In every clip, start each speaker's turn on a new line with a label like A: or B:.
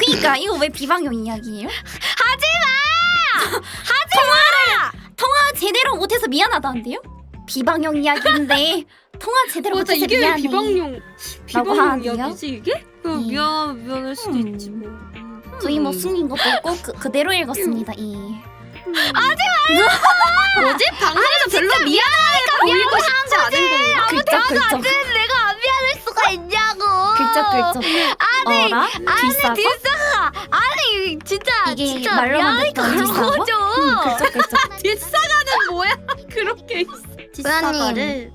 A: 그니까 이거 왜 비방용 이야기예요?
B: 하지마!
A: 통화 제대로 못해서 미안하다는데요? 비방용 이야기인데 통화 제대로
B: 맞아,
A: 못해서
B: 이게 왜
A: 미안해.
B: 비방용
A: 하는데요?
B: 이야기지 이게? 미안할 수도 있지 뭐.
A: 저희 뭐 숨긴 것도 없고 그대로 읽었습니다.
B: 뭐지? 방송에서 별로 미안하니까 보이고 싶지 않은 건가?
A: 글쩍글쩍
C: 내가 안 미안할 수가 있냐고.
A: 글쩍글쩍 어라? 뒷사과?
C: 아니 진짜
A: 이게
C: 진짜
A: 말로만
C: 미안하니까
A: 듣던
C: 그런
A: 뒷사과?
C: 거죠.
A: 글쩍글쩍
B: 뒷사과는 뭐야? 그렇게 있어. 뒷사과를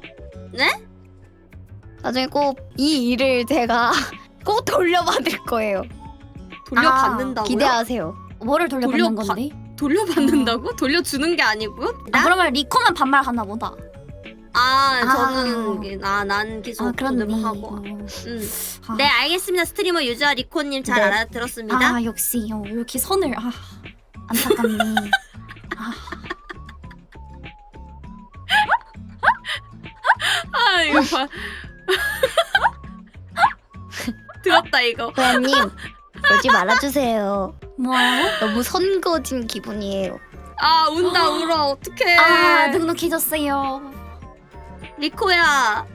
C: 나중에 꼭 이 일을 제가 꼭 돌려받을 거예요.
B: 돌려받는다고요?
C: 기대하세요.
A: 뭐를 돌려받는
B: 돌려받-
A: 건데?
B: 돌려받는다고? 돌려주는 게 아니고요?
A: 그러면 리코만 반말하나 보다.
B: 저는 난 계속
A: 그렇네.
B: 하고.
A: 아.
B: 네, 알겠습니다. 스트리머 유저아 리코님 잘
C: 네.
B: 알아들었습니다.
A: 역시 이렇게 선을 안타깝네.
B: 이거 봐. 들었다 이거.
C: 고양님 그러지 말아주세요.
A: 뭐요?
C: 너무 선거진 기분이에요.
B: 운다 울어. 어떡해.
A: 눅눅해졌어요.
B: 리코야.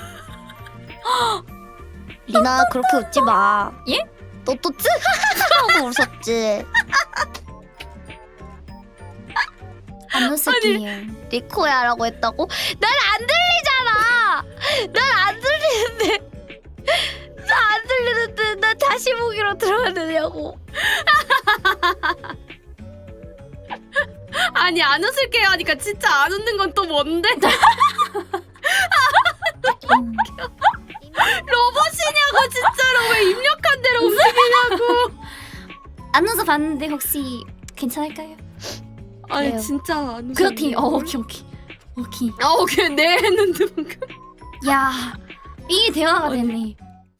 C: 리나 그렇게 웃지 마.
A: 예?
C: 너 또 쯔? 하고 웃었지.
A: 안 웃을게요.
C: 리코야라고 했다고? 난 안 들리잖아. 난 안 들리는데. 나 안 들리는데 나 다시 보기로 들어야 되냐고.
B: 아니 안 웃을게요 하니까 진짜 안 웃는 건 또 뭔데? 로봇이냐고 진짜로 왜 입력한 대로 움직이냐고.
A: 안 웃어봤는데 혹시 괜찮을까요?
B: 아니
C: 그래요.
B: 진짜 안 웃어.
A: 그렇대. 오케이.
B: 오케이 네 했는데 방금.
A: 야, 이게 대화가 됐네.